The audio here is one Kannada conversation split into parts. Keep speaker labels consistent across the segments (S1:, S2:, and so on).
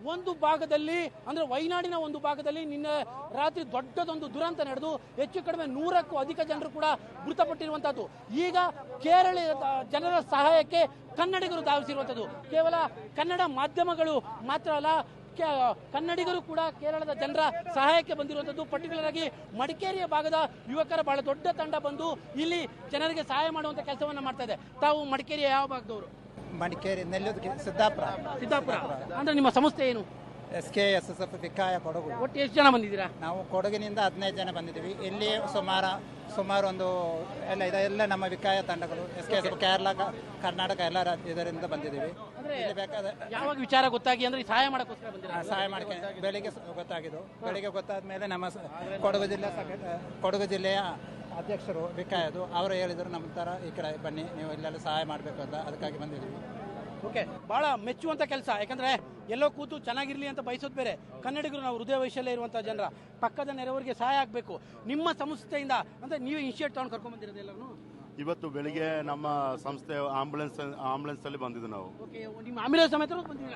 S1: ಒಂದು ಭಾಗದಲ್ಲಿ ಅಂದ್ರೆ ವಯನಾಡಿನ ಒಂದು ಭಾಗದಲ್ಲಿ ನಿನ್ನೆ ರಾತ್ರಿ ದೊಡ್ಡದೊಂದು ದುರಂತ ನಡೆದು ಹೆಚ್ಚು ಕಡಿಮೆ 100ಕ್ಕೂ ಅಧಿಕ ಜನರು ಕೂಡ ಮೃತಪಟ್ಟಿರುವಂತಹದ್ದು. ಈಗ ಕೇರಳ ಜನರ ಸಹಾಯಕ್ಕೆ ಕನ್ನಡಿಗರು ಧಾವಿಸಿರುವಂಥದ್ದು. ಕೇವಲ ಕನ್ನಡ ಮಾಧ್ಯಮಗಳು ಮಾತ್ರ ಅಲ್ಲ, ಕನ್ನಡಿಗರು ಕೂಡ ಕೇರಳದ ಜನರ ಸಹಾಯಕ್ಕೆ ಬಂದಿರುವಂಥದ್ದು. ಪರ್ಟಿಕ್ಯುಲರ್ ಆಗಿ ಮಡಿಕೇರಿಯ ಭಾಗದ ಯುವಕರ ಬಹಳ ದೊಡ್ಡ ತಂಡ ಬಂದು ಇಲ್ಲಿ ಜನರಿಗೆ ಸಹಾಯ ಮಾಡುವಂತ ಕೆಲಸವನ್ನ ಮಾಡ್ತಾ ಇದೆ. ತಾವು ಮಡಿಕೇರಿಯ ಯಾವ ಭಾಗದವರು?
S2: ಮಡಿಕೇರಿ, ನೆಲ್ಲೂರು, ಸಿದ್ದಾಪುರ.
S1: ಅಂದ್ರೆ ನಿಮ್ಮ ಸಂಸ್ಥೆ ಏನು?
S2: SKSSF ವಿಕಾಯ ಕೊಡಗು.
S1: ಒಟ್ಟು ಎಷ್ಟು ಜನ ಬಂದಿದ್ದೀರಾ?
S2: ನಾವು ಕೊಡಗಿನಿಂದ 15 ಜನ ಬಂದಿದ್ದೀವಿ. ಇಲ್ಲಿ ಸುಮಾರು ಒಂದು ಎಲ್ಲ ನಮ್ಮ ವಿಕಾಯ ತಂಡಗಳು SKSSF ಕೇರಳ, ಕರ್ನಾಟಕ ಎಲ್ಲ ಇದರಿಂದ ಬಂದಿದ್ದೀವಿ.
S1: ಯಾವಾಗ ವಿಚಾರ ಗೊತ್ತಾಗಿ ಅಂದ್ರೆ ಸಹಾಯ ಮಾಡಕ್ಕೋಸ್ಕರ ಬಂದಿರಾ?
S2: ಸಹಾಯ ಮಾಡಕ್ಕೆ ಬೆಳಿಗ್ಗೆ ಗೊತ್ತಾಗಿದ್ದು. ಬೆಳಿಗ್ಗೆ ಗೊತ್ತಾದ ಮೇಲೆ ನಮ್ಮ ಕೊಡಗು ಜಿಲ್ಲೆಯ ಅಧ್ಯಕ್ಷರು ವಿಕಾಯದು ಅವರು ಹೇಳಿದರು, ನಮ್ಮ ತರ ಈ ಕಡೆ ಬನ್ನಿ, ನೀವು ಇಲ್ಲೆಲ್ಲ ಸಹಾಯ ಮಾಡಬೇಕು ಅಂತ, ಅದಕ್ಕಾಗಿ ಬಂದಿದ್ದೀವಿ.
S1: ಓಕೆ, ಬಹಳ ಮೆಚ್ಚುವಂತ ಕೆಲಸ. ಯಾಕಂದ್ರೆ ಎಲ್ಲೋ ಕೂತು ಚೆನ್ನಾಗಿರ್ಲಿ ಅಂತ ಬಯಸೋದು ಬೇರೆ. ಕನ್ನಡಿಗರು ನಾವು ಹೃದಯ ವೈಶಲ್ಯ ಇರುವಂತಹ ಜನರ ಪಕ್ಕದ ನೆರೆಯವರಿಗೆ ಸಹಾಯ ಆಗಬೇಕು. ನಿಮ್ಮ ಸಂಸ್ಥೆಯಿಂದ ಅಂದ್ರೆ ನೀವು ಇನಿಷಿಯೇಟ್ ತಗೊಂಡು ಕರ್ಕೊಂಡ್ ಬಂದಿರೋದು ಎಲ್ಲರೂ?
S3: ಇವತ್ತು ಬೆಳಿಗ್ಗೆ ನಮ್ಮ ಸಂಸ್ಥೆ ಆಂಬುಲೆನ್ಸ್ ಅಲ್ಲಿ ಬಂದಿದ್ದು ನಾವು.
S1: ನಿಮ್ಮ ಆಂಬುಲೆನ್ಸ್ ಸಮೇತ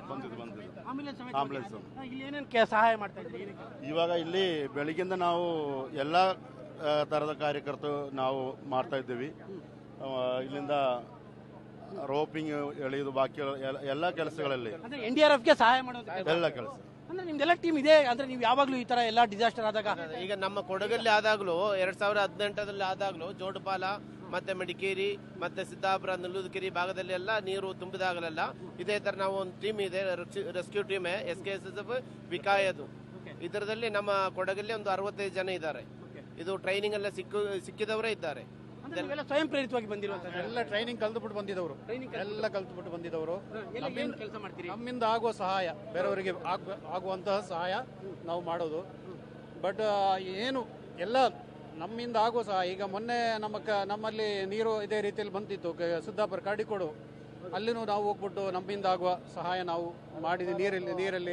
S3: ಆಂಬುಲೆನ್ಸ್
S1: ಇಲ್ಲಿ ಏನೇನು ಸಹಾಯ ಮಾಡ್ತಾ ಇದ್ದೀರಿ?
S3: ಇವಾಗ ಇಲ್ಲಿ ಬೆಳಿಗ್ಗೆಯಿಂದ ನಾವು ಎಲ್ಲಾ ತರದ ಕಾರ್ಯಕರ್ತರು ನಾವು ಮಾಡ್ತಾ ಇದ್ದೀವಿ. ಇಲ್ಲಿಂದ ರೋಪಿಂಗ್ ಎಳೆಯುವುದು, ಬಾಕಿ ಎಲ್ಲ ಕೆಲಸಗಳಲ್ಲಿ
S1: NDRF ಗೆ ಸಹಾಯ ಮಾಡೋದು
S3: ಎಲ್ಲ ಕೆಲಸ.
S1: ಅಂದ್ರೆ ನಿಮ್ದೆಲ್ಲ ಟೀಮ್ ಇದೆ ಅಂದ್ರೆ ನೀವು ಯಾವಾಗ್ಲೂ ಈ ತರ ಎಲ್ಲ ಡಿಸಾಸ್ಟರ್ ಆದಾಗ?
S4: ಈಗ ನಮ್ಮ ಕೊಡಗಲ್ಲಿ ಆದಾಗ್ಲೂ 2018ರಲ್ಲಿ ಆದಾಗ್ಲೂ ಜೋಡುಪಾಲ ಮತ್ತೆ ಮಡಿಕೇರಿ ಮತ್ತೆ ಸಿದ್ದಾಪುರ, ನೆಲ್ಲೂದುಕೆರೆ ಭಾಗದಲ್ಲಿ ಎಲ್ಲ ನೀರು ತುಂಬಿದಾಗಲೆಲ್ಲ ಇದೇ ತರ ನಾವು ಒಂದು ಟೀಮ್ ಇದೆ, ರೆಸ್ಕ್ಯೂ ಟೀಮ್ SKSSF ವಿಕಾಯದು. ಇದರಲ್ಲಿ ನಮ್ಮ ಕೊಡಗಲ್ಲಿ ಒಂದು 65 ಜನ ಇದ್ದಾರೆ. ಇದು ಟ್ರೈನಿಂಗ್ ಎಲ್ಲ ಸಿಕ್ಕಿದವರೇ ಇದ್ದಾರೆ.
S1: ಸ್ವಯಂ ಪ್ರೇರಿತವಾಗಿ ಬಂದಿರುವಂತಹ
S5: ಎಲ್ಲ ಟ್ರೈನಿಂಗ್ ಕಲ್ತುಬಿಟ್ಟು ಬಂದಿದ್ದವರು, ಎಲ್ಲ ಕಲ್ತುಬಿಟ್ಟು ಬಂದಿದ್ದವರು.
S1: ಕೆಲಸ ಮಾಡ್ತೀರಿ?
S5: ನಮ್ಮಿಂದ ಆಗುವ ಸಹಾಯ, ಬೇರೆಯವರಿಗೆ ಆಗುವಂತಹ ಸಹಾಯ ನಾವು ಮಾಡೋದು. ಬಟ್ ಏನು ಎಲ್ಲ ನಮ್ಮಿಂದ ಆಗುವ ಸಹಾಯ. ಈಗ ಮೊನ್ನೆ ನಮ್ಮಲ್ಲಿ ನೀರು ಇದೇ ರೀತಿಯಲ್ಲಿ ಬಂದಿತ್ತು, ಸಿದ್ದಾಪುರ ಕಾಡಿಕೋಡು, ಅಲ್ಲಿನೂ ನಾವು ಹೋಗ್ಬಿಟ್ಟು ನಮ್ಮಿಂದ ಆಗುವ ಸಹಾಯ ನಾವು ಮಾಡಿದ್ವಿ. ನೀರಲ್ಲಿ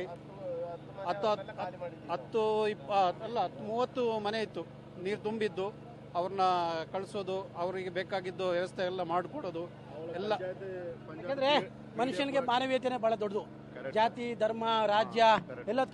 S5: 30 ಮನೆ ಇತ್ತು, ನೀರು ತುಂಬಿದ್ದು. ಅವ್ರನ್ನ ಕಳಿಸೋದು, ಅವರಿಗೆ ಬೇಕಾಗಿದ್ದು ವ್ಯವಸ್ಥೆ ಎಲ್ಲ ಮಾಡಿಕೊಡೋದು ಎಲ್ಲ.
S1: ಯಾಕಂದ್ರೆ ಮನುಷ್ಯನಿಗೆ ಮಾನವೀಯತೆನೇ ಬಹಳ ದೊಡ್ಡದು. ಜಾತಿ, ಧರ್ಮ, ರಾಜ್ಯ ಎಲ್ಲ